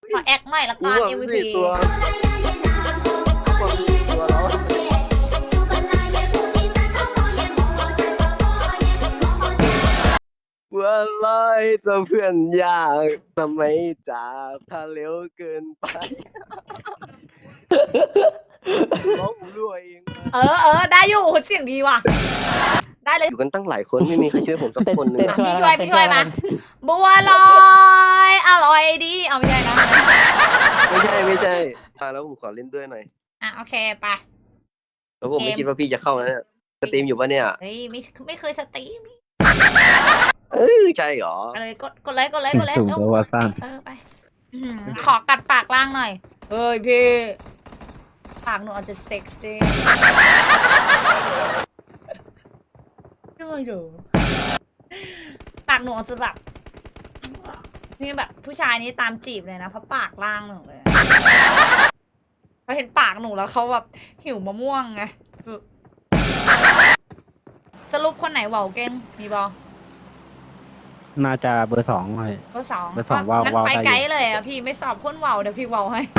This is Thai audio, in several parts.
ขอแอคหน่อยละกัน MVP ตัวแล้วว่าลอยจะเพื่อนยากทำไมจากถ้าเร็วเกินไปร้องหูรั่วเองได้อยู่เสียงดีว่ะได้เลยอยู่กันตั้งหลายคนไม่มีใครช่วยผมสักคนหนึงพี่ช่วยมาบัวลอยอร่อยดีเอาไม่ใช่นะไม่ใช่แล้วผมขอเล่นด้วยหน่อยโอเคไปแล้วผมไม่คิดว่าพี่จะเข้านะเนี่ยสตรีมอยู่ปะเนี่ยเฮ้ยไม่เคยสตรีมใช่หรอเลยกดเลยสุ่มตัววาซ่านไปขอกัดปากล่างหน่อยเฮ้ยพี่ปากหนูอาจจะเซ็กซี่ด้วยเด้อปากหนูอาจจะแบบนี่แบบผู้ชายนี้ตามจีบเลยนะเพราะปากล่างหนูเลยเขาเห็นปากหนูแล้วเขาแบบหิวมะม่วงไงสรุปคนไหนเว่าวเก่งมีบอน่าจะเบอร์ 2เลยเบอร์สองเบอร์สองว่าวงั้นว่าวไปได้อยู่ไกด์เลยอ่ะพี่ไม่สอบพ่นว่าวเดี๋ยวพี่ว่าวให้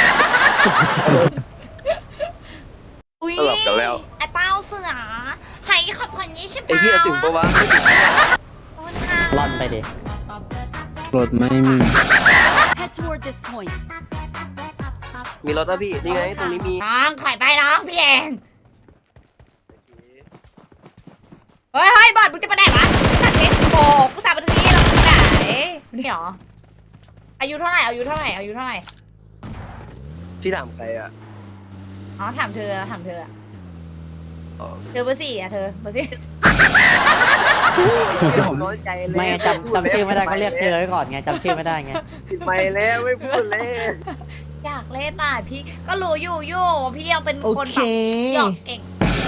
อุ้ยสลับกันแล้วไอ้เต้าเสือให้ขอบคนนี้ใช่ไอ้เหี้ยถึงปะวะร่อนไปดิรถไม่มี Head toward this point. มีรถป่ะพี่นี่ไงตรงนี้มีน้องถอยไปน้องพี่เองเฮ้ยบอดมึงจะไปไหนวะสัตว์เล็กโบกกูสาบไปตรงนี้เราไปไหนนี่หรออายุเท่าไหร่พี่ถามใครอ่ะอ๋อถามเธออ๋อเธอเบอร์สี่อะเธอเบอร์สี่ผมน้อยใจเลยไม่จำชื่อไม่ได้ก็เรียกเธอไว้ก่อนไงจำชื่อไม่ได้ไงไปแล้วไม่พูดเลยอยากเล่นน่ะพี่ก็รู้อยู่พี่ยังเป็นคนแบบหยอกเก่ง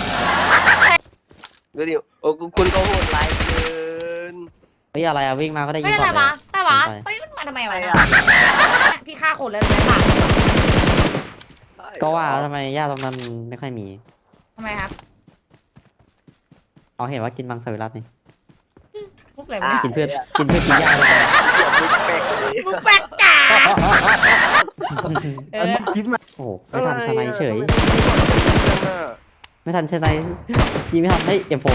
ก็ดิโอ้คุณก็โหดร้ายเกินเฮ้ยอะไรอะวิ่งมาก็ได้ยิไม่งอะไรก่อนเลวะยแต่วะไปเฮ้ยมันมาทำไมวะเนี่ยพี่ฆ่าคนแล้วเลยค่ะก็ว่าแล้วทำไมย่าตรงนั้นไม่ค่อยมีทำไมครับเอาเห็นว่ากินมังสวิรัตนี่มุกอะไรวะเนี่ยกินเพื่อนกินย่าเลยมุกแปลกจ๋าเออันอนี้คิดมาโอ้โหไม่ทันสไนเฉย ไม่ทันสไนยิงไม่ทันเฮ้ยเอ็มโฟ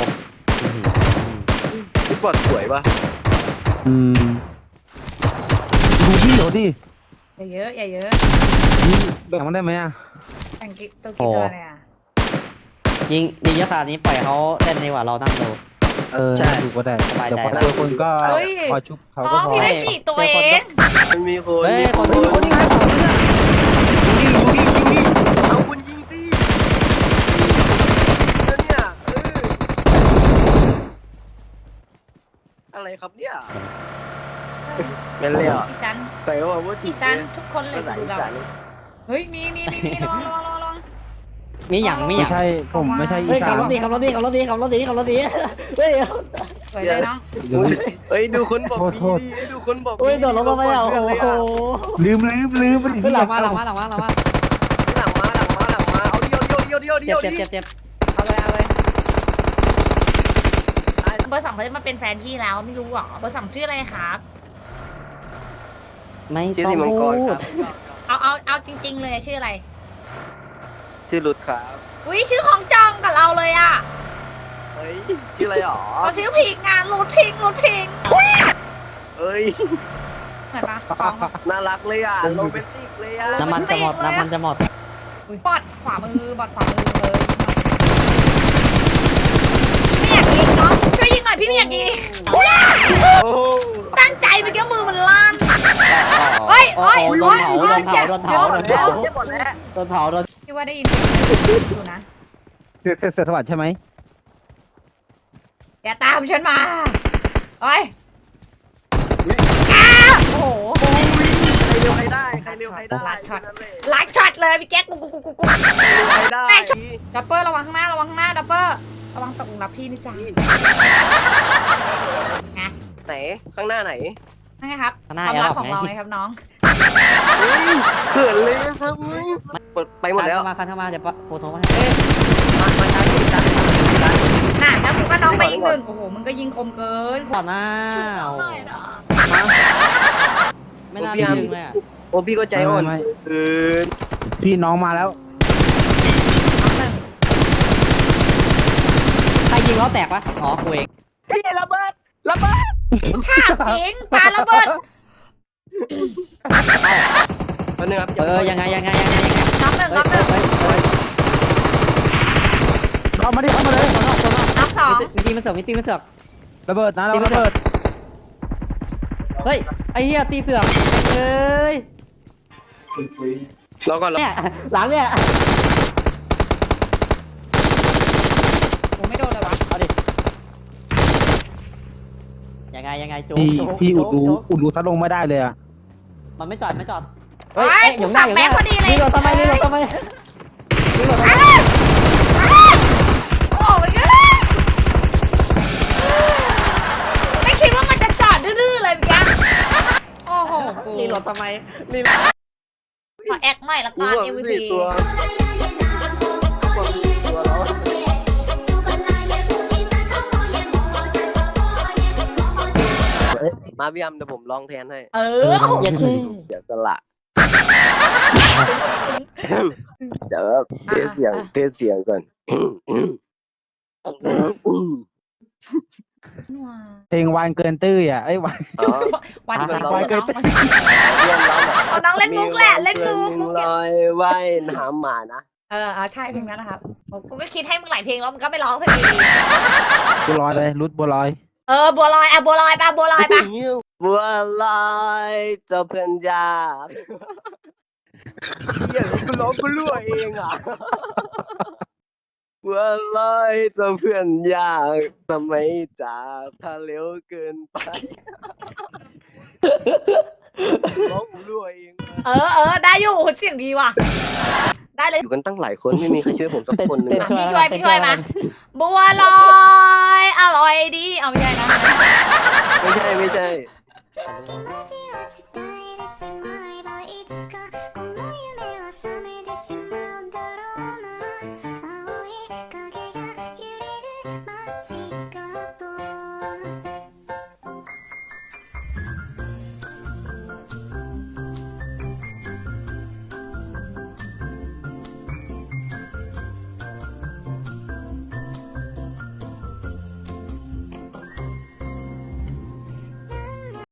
พี่ปอดสวยปะดูพี่เหรอดิอย่าเยอะแบ่งมันได้ไหมอ่ะแต่งกิ๊กตัวกี่ตัวเนี่ยยิงเยอะขนาดนี้ปล่อยเขาเล่นดีกว่าเรานั่งดูดูก็ได้สบายใจแต่พอเจอคนก็พอชุบเขาอ๋ก็อพอพี่ได้สี่ตัวเองมันมีคนเฮ้ยมีคนคนนี้คนนี้เอาคุณยิงสิแล้วเนี่ยอะไรครับเนี่ยเป็นเลยอ่ะอีสันใส่ว่าว่าอีสันทุกคนเลยดูเราเฮ้ยมีลองมีอย่างไม่ใช่ผมไม่ใช่อีเฮ้ยสาขับนรถดีเฮ้ยสวยเลยน้องเฮ้ยดูคนบอกโทษดีดูคนบอกเฮ้ยโดดลงมาไม่เอาโอ้โหลืมเฮ้ยหลังมาหลังมาเอาเดียวเจ็บเอาเลยเบอร์สองเขาจะมาเป็นแฟนพี่แล้วไม่รู้หรอเบอร์สองชื่ออะไรครับไม่ชื่อต้อที่งมังกพูรคดรับเอาจริง ๆ เลยชื่ออะไรชื่อรุดครับอุ้ยชื่อของจองกับเราเลยอ่ะเฮ้ยชื่ออะไรหรอเราชื่อพิงงานรูดพิงเอ้ยเหมือนปะของน่ารักเลยอ่ะโรแมนติกเลยอ่ะน้ำมันจะหมดบอดขวามือเลยไม่อยากยิงเนาะช่วยยิงหน่อยพี่ไม่อยากยิงโอ้ตั้งใจไปแค่มือมันลั่นโดนเผาเจ็บหมดแล้วพี่ว่าได้ยินอยู่นะเสือสวัสดิ์ใช่ไหมอย่าตามฉันมาโอ้ยโอ้โหใครเร็วใครได้ลัดช็อตเลยพี่แจ๊คกูใครได้ดับเบิลระวังข้างหน้าดับเบิลระวังตกหลุมรับพี่นี่จ้าไหนข้างหน้าไหนนั่นไงครับความรักของเราไงครับน้องเขินเลยครับไปหมดแล้วคันเข้ามาเดี๋ยวโฟโต้มามาช้าที่จัดน่ะแล้วกูก็น้องไปอีกหนึ่งโอ้โหมึงก็ยิงคมเกินก่อนหน้าไม่น่ายิงเลยอ่ะพอ้พี่ก็ใจอ่อนไม่เกินพี่น้องมาแล้วน้องหนึ่งใครยิงล้อแตกปะอ๋อกูเองพี่ระเบิดระเบิดถามจริงปาระเบิดคนนึงครับยังไงน้องหนึ่งน้องหนึ่งเข้ามาดิเข้ามาเลยน้องสองมีตีมันเสือกระเบิดนะเราระเบิดเฮ้ยไอ้เหี้ยตีเสือกเอ้ยเราก็เนี่ยหลังเนี่ยผมไม่โดนเลยวะเอาดิยังไงจุ๊พี่อุดรูจุ๊อุดรูทัดลงไม่ได้เลยอ่ะมันไม่จอดเฮ้ยกูสั่งแม็กพอดีเลยนี่เราทำไมโอ้ยไม่คิดว่ามันจะจอดดื้อๆเลยเมื่อกี้โอ้โหกูนี่รถทำไมขอแอคหน่อยละกูกันว่า MVP สี่ตัวตัวเรามาพี่ยำเดี๋ยวผมร้องแทนให้เอออย่าชี้เสียสละเดี๋ยวเทสเสียงก่อนเพลงวานเกินตื้ออ่ะไอ้ยวานอ๋อวันนี้ร้องน้องเพื่อนร้องเอาน้องเล่นมุกแหละเล่นมุกลอยว่ายน้ำหมานะใช่เพลงนั้นนะครับกูก็คิดให้มึงหลายเพลงแล้วมึงก็ไม่ร้องสักทีบัวลอยเลยรุดบัวลอยบัวลอยบัวลอยปะบัวลอยปะบัวลอยเจ้าเพื่อนยากเฮียกูร้องกูรั่วเองอ่ะบัวลอยเจ้าเพื่อนยากทำไมจากถ้าเร็วเกินไปร้องกูรั่วเองได้อยู่เสียงดีว่ะได้เลยอยู่กันตั้งหลายคนไม่มีใครช่วยผมสักคนหนึงพี่ช่วยมาบัวลอยอร่อยดีเอาไม่ใช่นะไม่ใช่気持ちを伝えてしまえばいつかこの夢は覚めてしまうだろうな青い影が揺れる街